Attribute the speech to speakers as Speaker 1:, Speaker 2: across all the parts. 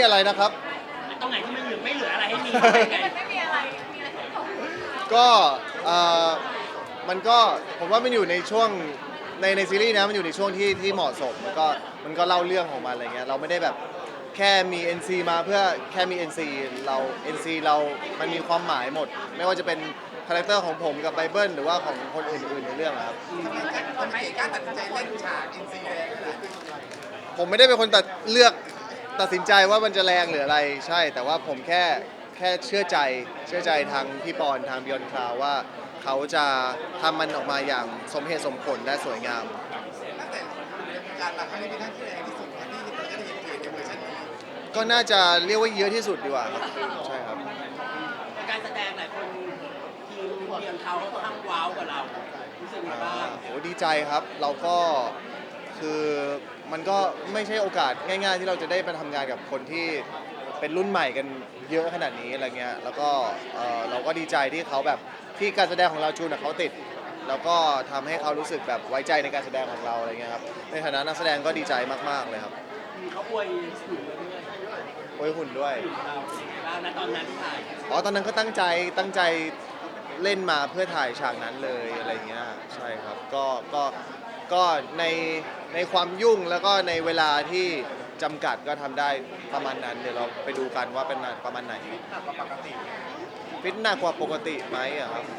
Speaker 1: อะไรนะครับ
Speaker 2: ตรงไหนที่มันไม่เหลืออะไรให้มีไง
Speaker 3: ไม่มีอะไรมีอะไรให้ผม
Speaker 1: ก็เอ่อมันก็ผมว่ามันอยู่ในช่วงในซีรีส์นะมันอยู่ในช่วงที่เหมาะสมมันก็เล่าเรื่องของมันอะไรเงี้ยเราไม่ได้แบบแค่มี NC มาเพื่อแค่มี NC เรา NC เรามันมีความหมายหมด ไม่ว่าจะเป็นคาแรคเตอร์ของผมกับไบเบิลหรือว่าของคนอื่นๆในเรื่องอะครับ
Speaker 4: ทำไมกล้าตัดสินใจเล่นฉากอินซีแดงขนาดนี้
Speaker 1: ผมไม่ได้เป็นคนเลือกตัดสินใจว่ามันจะแรงหรืออะไรใช่ แต่ว่าผมแค่เชื่อใจทางพี่ปอนทางบิออนคลาวว่าเขาจะทำมันออกมาอย่างสมเหตุสมผลและสวยงาม
Speaker 4: ตั้งแต่การมาครั้งนี้เป็นครั้งที่แรงที่สุดที่เราจะได้เห็นเกิดในเวอร์ชันนี้
Speaker 1: ก็น่าจะเรียกว่าเยอะที่สุดดีกว่าครับใช่ครับ
Speaker 2: การแสดงหลายคนทีมเรียนเขาค่อนข้างว้าวกว่าเรารู้สึกไงบ้าง
Speaker 1: โอ้ดีใจครับเราก็คือมันก็ไม่ใช่โอกาสง่ายๆที่เราจะได้มาทำงานกับคนที่เป็นรุ่นใหม่กันเยอะขนาดนี้อะไรเงี้ยแล้วก็เราก็ดีใจที่เขาแบบที่การแสดงของเราจูนกับเขาติดแล้วก็ทำให้เขารู้สึกแบบไว้ใจในการแสดงของเราอะไรเงี้ยครับในฐานะนักแสดงก็ดีใจมากๆเลยครับ
Speaker 2: เขาอวยสูงเลย
Speaker 1: โอ้ยหุ่นด้วย
Speaker 2: เราณตอนนั้นที่ถ่าย
Speaker 1: ตอนนั้นก็ตั้งใจเล่นมาเพื่อถ่ายฉากนั้นเลยอะไรเงี้ยใช่ครับก็ในความยุ่งแล้วก็ในเวลาที่จำกัดก็ทำได้ประมาณนั้นเดี๋ยวเราไปดูกันว่าเป็นประมาณไหน
Speaker 4: ปกติ
Speaker 1: ฟิตหนักกว่าปกติไหมอะครับ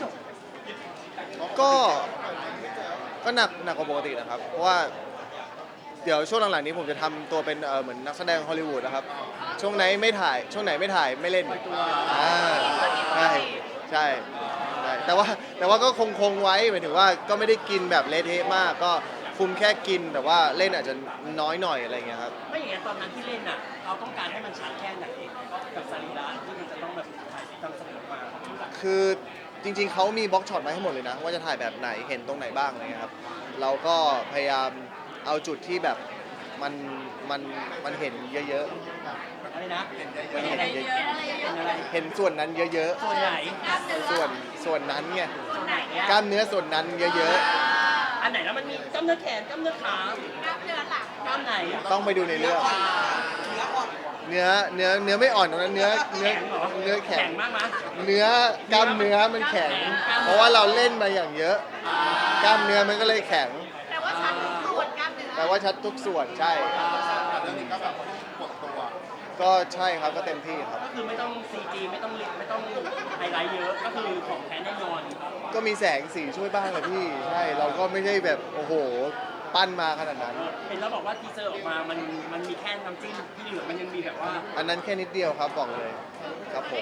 Speaker 1: ก็หนักกว่าปกตินะครับเพราะว่าเดี๋ยวช่วงหลังๆนี้ผมจะทำตัวเป็นเหมือนนักแสดงฮอลลีวูดนะครับช่วงไหนไม่ถ่ายไม่เล่นใช่ใช่แต่ว่าก็คงไว้หมายถึงว่าก็ไม่ได้กินแบบเละเทะมากก็คุมแค่กินแต่ว่าเล่นอาจจะน้อยหน่อยอะไรเงี้ยครับ
Speaker 2: ไม่อย่างนั้นตอนนั้นที่เล่นอ่ะเราต้องการให้มันชัดแค่ไหนกับสรีระที่มันจะต้องแบบถ่ายทำเสนอมา
Speaker 1: คือจริงๆเขามีบล็อกช็อตมาให้หมดเลยนะว่าจะถ่ายแบบไหนเห็นตรงไหนบ้างอะไรเงี้ยครับเราก็พยายามเอาจุดที่แบบมันเห็นเยอะ
Speaker 2: ๆอะไรนะ
Speaker 1: มันเห็นเยอะ
Speaker 2: ๆ
Speaker 1: เห็นส่วนนั้นเยอะ
Speaker 2: ส่วนไหน
Speaker 1: ๆส่วนนั้นไง
Speaker 2: ส่วนไหน
Speaker 1: กล้ามเนื้อส่วนนั้นเยอะ
Speaker 2: อันไหนแล้วมันมีกล้ามเนื้อแขนกล้ามเนื้อขาก
Speaker 3: ล้ามเนื้อหลัง
Speaker 2: กล้ามไหน
Speaker 1: ๆต้องไปดูในเรื่องเนื้อไม่อ่อนตรงนั้นเนื้อแข็ง
Speaker 2: มากมั้ย
Speaker 1: เนื้อกล้ามเนื้อมันแข็งเพราะว่าเราเล่นมาอย่างเยอะกล้ามเนื้อมันก็เลยแข็ง
Speaker 3: แต่ว่าชัดทุกส่วนกล้ามเนื้อ
Speaker 1: แต่ว่าชัดทุกส่วนใช่
Speaker 4: เรื่องนี้ก็แบบปวดตัว
Speaker 1: ก็ใช่ครับก็เต็มที่ครับ
Speaker 2: ก็คือไม่ต้อง CG ไม่ต้องไฮไลท์เยอะก็คือของแท้แน่นอน
Speaker 1: ก็มีแสงสีช่วยบ้างแหละพี่ใช่เราก็ไม่ใช่แบบโอ้โหปั้นมาขนาดนั้น
Speaker 2: เห็นแล้วบอกว่าทีเซอร์ออกมามันมีแค่น้ำจิ้มที่เหลือมันยังมีแบบว่า
Speaker 1: อันนั้นแค่นิดเดียวครับบอกเลยครับผม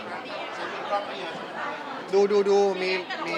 Speaker 1: ดูมี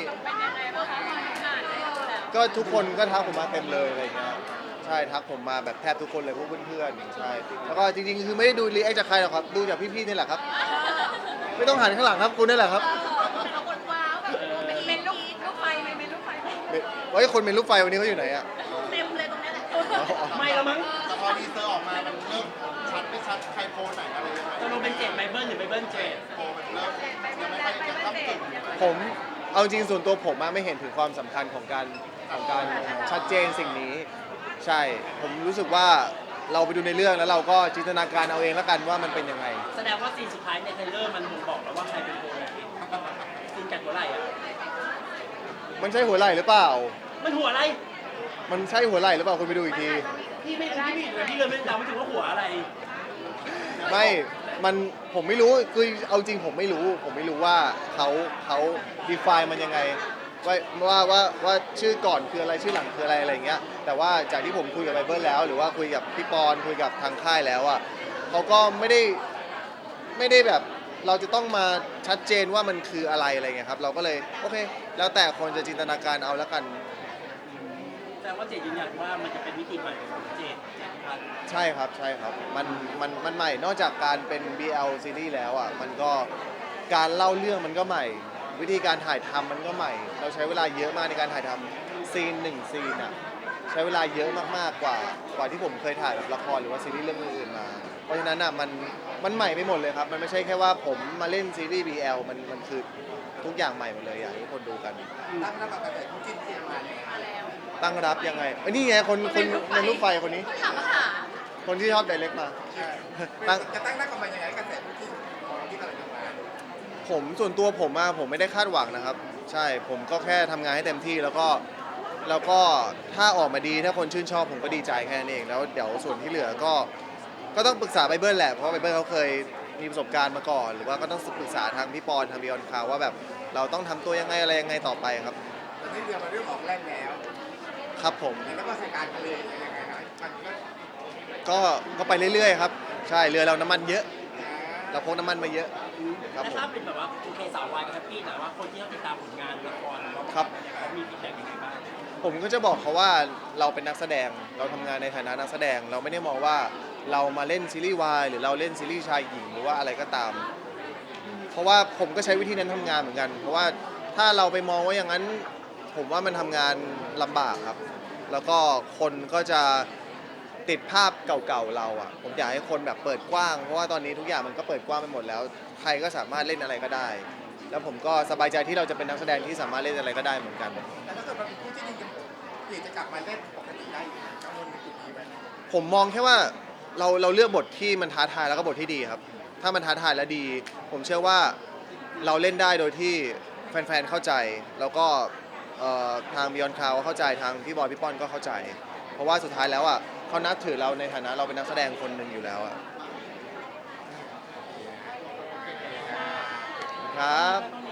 Speaker 1: ก็ทุกคนก็ทักผมมาเต็มเลยอะไรเงี้ยใช่ทักผมมาแบบแทบทุกคนเลยพวกเพื่อนๆใช่แล้วก็จริงๆคือไม่ได้ดูรีแอคจากใครหรอกครับดูจากพี่ๆนี่แหละครับไม่ต้องหันข้างหลังครับคุณนี่แหละครับ
Speaker 3: แต่ละคนว้าวแบบเป็นลูกไฟเป็นลูกไฟ
Speaker 1: ว่าคนเป็นลูกไฟวันนี้เขาอยู่ไหนอะ
Speaker 3: เต็มเลยตรงนี้แหละ
Speaker 2: ไม่แล้วมั้ง
Speaker 4: แต่พอดีเซอร์ออกมามันเริ่มชัดไม่ชัดใครโพสไหนอะไรยังไง
Speaker 2: จะลงเป็นเจ็ดไบเบิลหรือไบเบิลเจ็ด
Speaker 4: โพมันเริ่มยังไม่ค่อยยังตั้งกึ่ง
Speaker 1: ผมเอาจริงส่วนตัวผมไม่เห็นถึงความสำคัญของการชัดเจนสิ่งนี้ใช่ผมรู้สึกว่าเราไปดูในเรื่องแล้วเราก็จินตนาการเอาเองแล้วกันว่ามันเป็นยังไง
Speaker 2: แสดงว่าซีนสุดท้ายในเทรลเลอร์มันบ่งบอกแล้วว่าใครเป็นโพไหนซีนกัดหัวไหล่อะ
Speaker 1: มันใช่หัวไหล่หรือเปล่า
Speaker 2: มันหัวอะไร
Speaker 1: มันใช่หัวไหล่หรือเปล่าคุณไปดูอีกที
Speaker 2: พี่ไม่รู้พี่เลยไม่จำไม่ถึงว่าหัวอะไร
Speaker 1: ไม่มันผมไม่รู้คือเอาจริงผมไม่รู้ว่าเขา define มันยังไงว่าชื่อก่อนคืออะไรชื่อหลังคืออะไรอะไรเงี้ยแต่ว่าจากที่ผมคุยกับไบเบิลแล้วหรือว่าคุยกับพี่ปอนคุยกับทางค่ายแล้วอ่ะเขาก็ไม่ได้แบบเราจะต้องมาชัดเจนว่ามันคืออะไรเงี้ยครับเราก็เลยโอเคแล้วแต่คนจะจินตนาการเอาแล้วกัน
Speaker 2: แต่ว่าเจดยืนยันว่ามันจะเป็นวิธีใหม่ของเจดพัน
Speaker 1: ใช่ครับมันใหม่นอกจากการเป็น BL ซีรีส์แล้วอ่ะมันก็การเล่าเรื่องมันก็ใหม่วิธีการถ่ายทำมันก็ใหม่เราใช้เวลาเยอะมากในการถ่ายทำซีน1ซีนอ่ะใช้เวลาเยอะมากๆกว่าที่ผมเคยถ่ายแบบละครหรือว่าซีรีส์เรื่องอื่นๆมาเพราะฉะนั้นอ่ะมันใหม่ไปหมดเลยครับมันไม่ใช่แค่ว่าผมมาเล่นซีรีส์ BL มันคือทุกอย่างใหม่หมดเลยอยากให้ทุกคนดูกัน
Speaker 4: ตั้งรับกับแต่คู่จิ้นที่มาเนี่ย
Speaker 1: ตั้งรับยังไงนี่ไงคนในรูปไฟคนนี้
Speaker 3: ถามว่าหา
Speaker 1: คนที่ชอบไดเรกมา ตั้ง
Speaker 4: จะตั้งหน้ากันมายังไงกระแสคู่จิ้นของเราที่กำลังจะมา
Speaker 1: ผมส่วนตัวผมไม่ได้คาดหวังนะครับ ใช่ผมก็แค่ทำงานให้เต็มที่แล้วก็ถ้าออกมาดีถ้าคนชื่นชอบผมก็ดีใจแค่นั้นเองแล้วเดี๋ยวส่วนที่เหลือก็ต้องปรึกษาไบเบิลแหละเพราะไบเบิลเขาเคยมีประสบการณ์มาก่อน หรือว่าก็ต้องปรึกษาทางพี่ปอนทางบิออนคาวว่าแบบเราต้องทำตัวยังไงอะไรยังไงต่อไปครับ
Speaker 4: ตอนนี้เรือมาเริ่มออกแล่นแล้ว
Speaker 1: ครับผม
Speaker 4: แล้วก็สถานการณ์ทะเลยังไงนะมันก็
Speaker 1: ก็ไปเรื่อยๆครับใช่เรือเราน้ำมันเยอะเราพกน้ำมันมาเยอะครับ
Speaker 2: แต่
Speaker 1: ผม
Speaker 2: ถ้าเป็นแบบว่าโอเคสาววายก็แฮปปี้นะว่าคนที่เขาติดตามผลงานละครเรา
Speaker 1: ครับ
Speaker 2: เขามีฟีดแบ็กยังไงบ้าง
Speaker 1: ผมก็จะบอกเขาว่าเราเป็นนักแสดงเราทำงานในฐานะนักแสดงเราไม่ได้มองว่าเรามาเล่นซีรีส์วายหรือเราเล่นซีรีส์ชายหญิงหรือว่าอะไรก็ตาม เพราะว่าผมก็ใช้วิธีนั้นทำงานเหมือนกัน เพราะว่าถ้าเราไปมองว่าอย่างนั้น ผมว่ามันทำงานลำบากครับ แล้วก็คนก็จะติดภาพเก่าๆเราอ่ะผมอยากให้คนแบบเปิดกว้างเพราะว่าตอนนี้ทุกอย่างมันก็เปิดกว้างไปหมดแล้วใครก็สามารถเล่นอะไรก็ได้ แล้วผมก็สบายใจที่เราจะเป็นนักแสดงที่สามารถเล่นอะไรก็ได้เหมือนกัน
Speaker 4: แต่ถ้าเกิดมันเป็นคู่จิ้นจริงๆเปลี่ยนจะกลับมาเล่นปกติได้อยู่กังวลในจุดนี้ไหม
Speaker 1: ผมมองแค่ว่าเราเลือกบทที่มันท้าทายแล้วก็บทที่ดีครับ ถ้ามันท้าทายและดี ผมเชื่อว่าเราเล่นได้โดยที่แฟนๆเข้าใจ แล้วก็ทาง Beyond Cloud เข้าใจทางพี่บอยพี่ป้อนก็เข้าใจ เพราะว่าสุดท้ายแล้วอ่ะเขานับถือเราในฐานะเราเป็นนักแสดงคนหนึ่งอยู่แล้วอ่ะครับ